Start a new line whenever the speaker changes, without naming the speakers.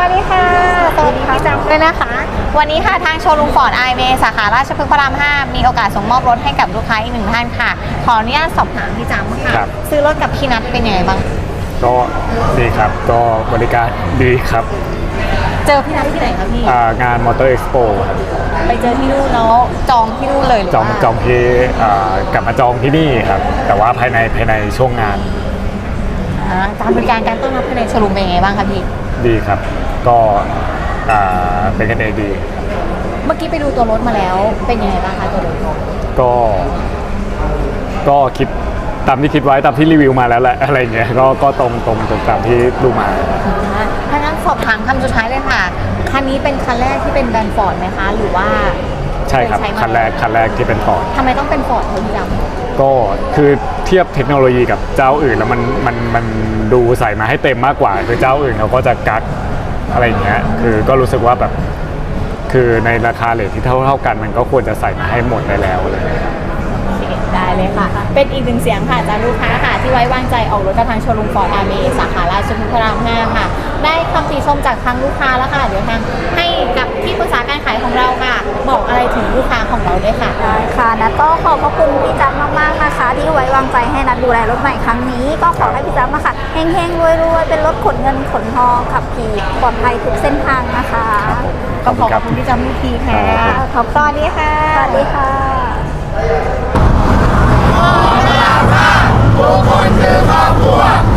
วัสดีค่ะสวัสดีพี่จำด้วยนะคะวันนี้ค่ะทางโชว์รูมฟอร์ดไอเมสาขาราชพฤกษ์พระราม 5มีโอกาสส่งมอบรถให้กับลูกค้าอีกหนึ่งท่านค่ะขออนุญาตสอบถามพี่จำค่ะซื้อรถกับพี่นัทเป็นยังไงบ้าง
ก็ดีครับก็บริการดีครับ
เจอพี่นัทที่ไหนครับพี่
งานมอเตอร์เอ็กซ์โปครับ
ไปเจอที่นู่นแล้วจองที่นู่นเลยหรือว่า
จองที่กลับมาจองที่นี่ครับแต่ว่าภายในช่วงงาน
การบริการการต้อนรับภายในโชว์รูมเป็นยังไงบ้างครับพี่
ดีครับก็เป็นกันเองดี
เมื่อกี้ไปดูตัวรถมาแล้วเป็นยังไงบ้างคะตัวรถ
ก็คิดตามที่คิดไว้ตามที่รีวิวมาแล้วแหละอะไรเงี้ยก็ตรงตามที่ดูมา
ถ้างั้นสอบถามคำสุดท้ายเลยค่ะคันนี้เป็นคันแรกที่เป็นแบรนด์ฟอร์ดไหมคะหรือว่า
ใช่ครับคันแรกที่เป็นฟอร์ด
ทำไมต้องเป็นฟอร์ดพี่จำ
ก็คือเทียบเทคโนโลยีกับเจ้าอื่นแล้วมันดูใส่มาให้เต็มมากกว่าคือเจ้าอื่นเขาก็จะกักอะไรเงี้ยคือก็รู้สึกว่าแบบคือในราคาเรทที่เท่ากันมันก็ควรจะใส่มาให้หมดได้แล้วเลย
ได้เลยค่ะเป็นอีกหนึ่งเสียงค่ะจากลูกค้าค่ะที่ไว้วางใจออกรถกับทางโชว์รูมฟอร์ดอาร์เมสาขาราชพฤกษ์พระราม 5ค่ะได้คำติชมจากทางลูกค้าแล้วค่ะเดี๋ยวทางให้กับที่ปรึกษาการขายของเราค่ะบอกอะไรถึงลูกค้าของเราด้วยค่ะ
ได้ค่ะนัทก็ขอบพระคุณพี่จั๊บมากๆนะคะที่ไว้วางใจให้นัทดูแลรถใหม่ครั้งนี้ก็ขอให้พี่จั๊บมาค่ะเฮงๆรวยๆเป็นรถขนเงินขนทองขับขี่ปลอดภัยทุกเส้นทางนะคะ
ขอบคุณพี่จั๊บอีกทีค่ะขอบคุณดีค่ะ
สวัสดีค่ะ
ทุกคนคือครอบครัว